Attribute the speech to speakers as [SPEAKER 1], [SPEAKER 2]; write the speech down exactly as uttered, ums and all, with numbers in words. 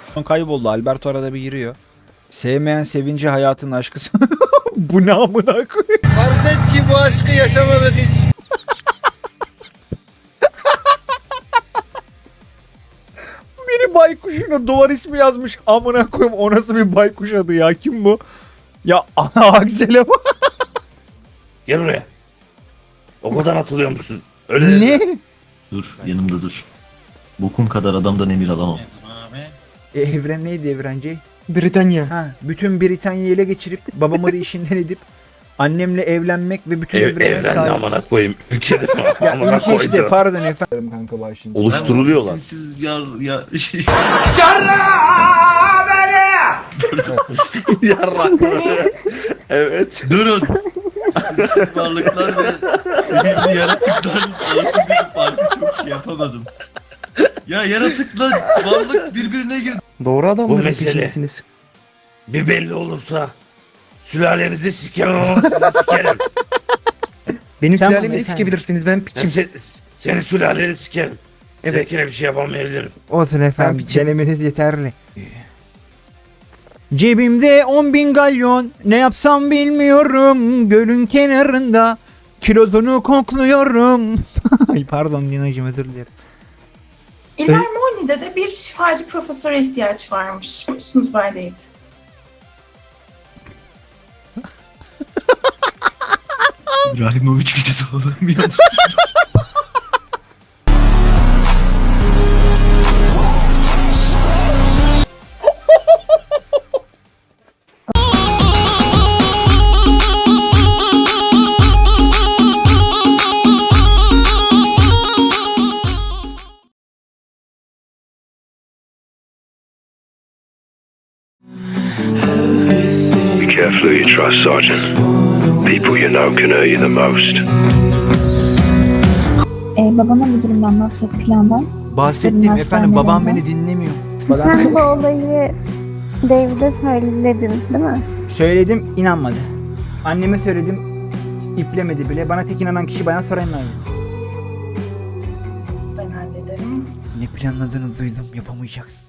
[SPEAKER 1] Kayboldu. Alberto arada bir giriyor. Sevmeyen sevinci hayatın aşkısı. Bu ne amına koyayım?
[SPEAKER 2] Farz et ki bu aşkı yaşamadın hiç.
[SPEAKER 1] Biri baykuşuna duvar ismi yazmış. Amına koyayım, o nasıl bir baykuş adı ya? Kim bu? Ya ana Aksel'e bak.
[SPEAKER 3] Gel buraya. Okuldan atılıyor musun? Öyle
[SPEAKER 1] Ne?
[SPEAKER 4] Dur yanımda dur. Bokum kadar adamdan emir alamam.
[SPEAKER 1] E, evren neydi evrenci?
[SPEAKER 2] Britanya.
[SPEAKER 1] Ha, bütün Britanya'yı ele geçirip babamı da işinden edip annemle evlenmek ve bütün
[SPEAKER 3] Ev,
[SPEAKER 1] evrene
[SPEAKER 3] evren de
[SPEAKER 1] sahip.
[SPEAKER 3] amına koyayım. Ülkede
[SPEAKER 1] Ya
[SPEAKER 3] amına
[SPEAKER 1] ülke işte,
[SPEAKER 3] koydu.
[SPEAKER 1] pardon efendim kanka başlayın.
[SPEAKER 3] Oluşturuluyorlar.
[SPEAKER 4] Siz yar ya şey.
[SPEAKER 3] Yarrak. Evet.
[SPEAKER 4] Durun. Simsiz varlıklar ve sihirli yaratıkların arasındaki farkı çok şey yapamadım. Ya yaratıkla varlık birbirine girdi.
[SPEAKER 2] Doğru
[SPEAKER 3] Bu
[SPEAKER 2] adamların
[SPEAKER 3] mesele.
[SPEAKER 2] peşindesiniz.
[SPEAKER 3] Bir belli olursa sülalenizi sikerim ama sizi sikerim.
[SPEAKER 2] Benim
[SPEAKER 1] Tamam
[SPEAKER 2] sülalemi de
[SPEAKER 1] efendim.
[SPEAKER 2] sikebilirsiniz. Ben
[SPEAKER 3] Ben
[SPEAKER 2] piçim.
[SPEAKER 3] se- senin sülaleni sikerim.
[SPEAKER 2] Evet.
[SPEAKER 3] Seninkine bir şey yapamayabilirim.
[SPEAKER 1] Olsun efendim,
[SPEAKER 2] piçim.
[SPEAKER 1] denemeniz yeterli. Cebimde on bin galyon, ne yapsam bilmiyorum. Gölün kenarında kilodunu kokluyorum. Ay pardon Lina'cığım, özür dilerim.
[SPEAKER 5] İlermoni'de de bir şifacı profesöre ihtiyaç varmış. Biliyor musunuz Bay David?
[SPEAKER 4] İbrahimovic videosu olamıyor.
[SPEAKER 6] Be careful who you trust, Sergeant. People you know can hurt you the most.
[SPEAKER 7] Ee, babana bu durumdan bahset, plandan.
[SPEAKER 1] Bahsettim
[SPEAKER 7] Benim
[SPEAKER 1] efendim, babam
[SPEAKER 7] hastanemde.
[SPEAKER 1] beni dinlemiyor.
[SPEAKER 7] Sen bu olayı David'e söyledin değil mi?
[SPEAKER 1] Söyledim, inanmadı. Anneme söyledim, iplemedi bile. Bana tek inanan kişi Bayan Soray'ın.
[SPEAKER 5] Ben hallederim.
[SPEAKER 1] Ne planladığınızı duydum, yapamayacaksın.